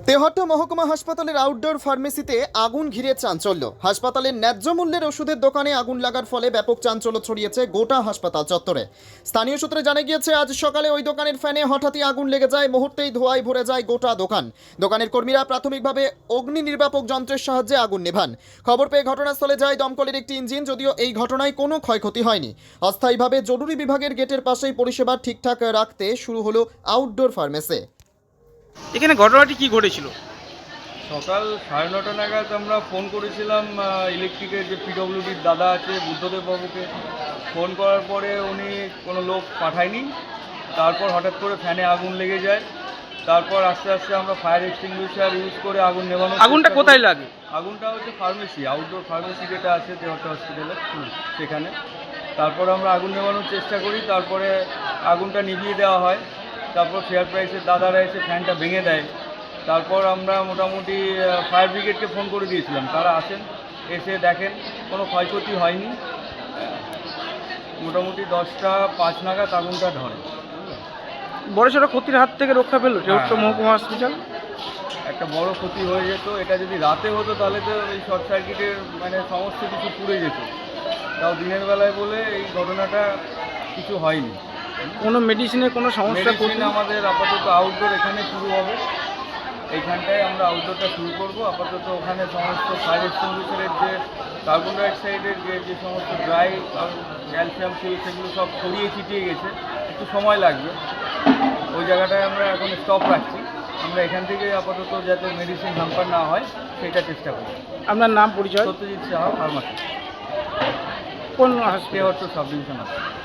তেহট্ট মহকুমা হাসপাতালের আউটডোর ফার্মেসিতে আগুন ঘিরে চাঞ্চল্য। হাসপাতালের ন্যায্য মূল্যের ওষুধের দোকানে আগুন লাগার ফলে ব্যাপক চাঞ্চল্য ছড়িয়েছে গোটা হাসপাতাল চত্বরে। স্থানীয় সূত্রে জানা গিয়েছে, আজ সকালে ওই দোকানের ফ্যানে হঠাৎই আগুন লেগে যায়। মুহূর্তেই ধোঁয়ায় ভরে যায় গোটা দোকান। দোকানের কর্মীরা প্রাথমিকভাবে অগ্নি নির্বাপক যন্ত্রের সাহায্যে আগুন নেভান। খবর পেয়ে ঘটনাস্থলে যায় দমকলের একটি ইঞ্জিন। যদিও এই ঘটনায় কোনো ক্ষয়ক্ষতি হয়নি। অস্থায়ীভাবে জরুরি বিভাগের গেটের পাশেই পরিষেবা ঠিকঠাক রাখতে শুরু হলো আউটডোর ফার্মেসি। এখানে ঘটনাটি কি ঘটেছিল? সকাল 9:30 নাগাদ আমরা ফোন করেছিলাম ইলেকট্রিকের যে পিডব্লিউডির দাদা আছে বুদ্ধদেব বাবুকে। ফোন করার পরে উনি কোনো লোক পাঠায়নি। তারপর হঠাৎ করে ফ্যানে আগুন লেগে যায়। তারপর আস্তে আস্তে আমরা ফায়ার এক্সটিংগুইশার ইউজ করে আগুন নেভানো। আগুনটা কোথায় লাগে? আগুনটা হচ্ছে ফার্মেসি, আউটডোর ফার্মেসি যেটা আছে তেহট্ট হসপিটালে, সেখানে। তারপর আমরা আগুন নেভানোর চেষ্টা করি। তারপরে আগুনটা নিভিয়ে দেওয়া হয়। তারপর ফেয়ার প্রাইসের দাদারা এসে ফ্যানটা ভেঙে দেয়। তারপর আমরা মোটামুটি ফায়ার ব্রিগেডকে ফোন করে দিয়েছিলাম, তারা আসেন, এসে দেখেন কোনো ক্ষয়ক্ষতি হয়নি। মোটামুটি 10:05 নাগাদ আগুনটা ধরে। বড়সড় ক্ষতির হাত থেকে রক্ষা পেল তেহট্ট হ্যাঁ। মহকুমা হসপিটাল। একটা বড় ক্ষতি হয়ে যেত। এটা যদি রাতে হতো তাহলে তো এই শর্ট সার্কিটের সমস্ত কিছু পুড়ে যেত। তাও দিনের বেলায় বলে এই ঘটনাটা কিছু হয়নি। কোনো মেডিসিনের কোনো সমস্যা মেডিসিন আমাদের আপাতত আউটডোর এখানে শুরু হবে। এইখানটায় আমরা আউটডোরটা শুরু করব। আপাতত ওখানে সমস্ত ফায়ার এক্সটিংগুইশারের যে কার্বন ডাইঅক্সাইডের যে সমস্ত ড্রাই ক্যালসিয়াম সেগুলো সব ছড়িয়ে ছিটিয়ে গেছে, একটু সময় লাগবে। ওই জায়গাটায় আমরা এখন স্টপ রাখছি। আমরা এখান থেকে আপাতত যাতে মেডিসিন হ্যাম্পার না হয় সেটা চেষ্টা করি। আপনার নাম পরিচয়? সত্যজিৎ সাহা, ফার্মাসি, কোন হাসপাতাল? তেহট্ট সাব ডিভিশন আছে।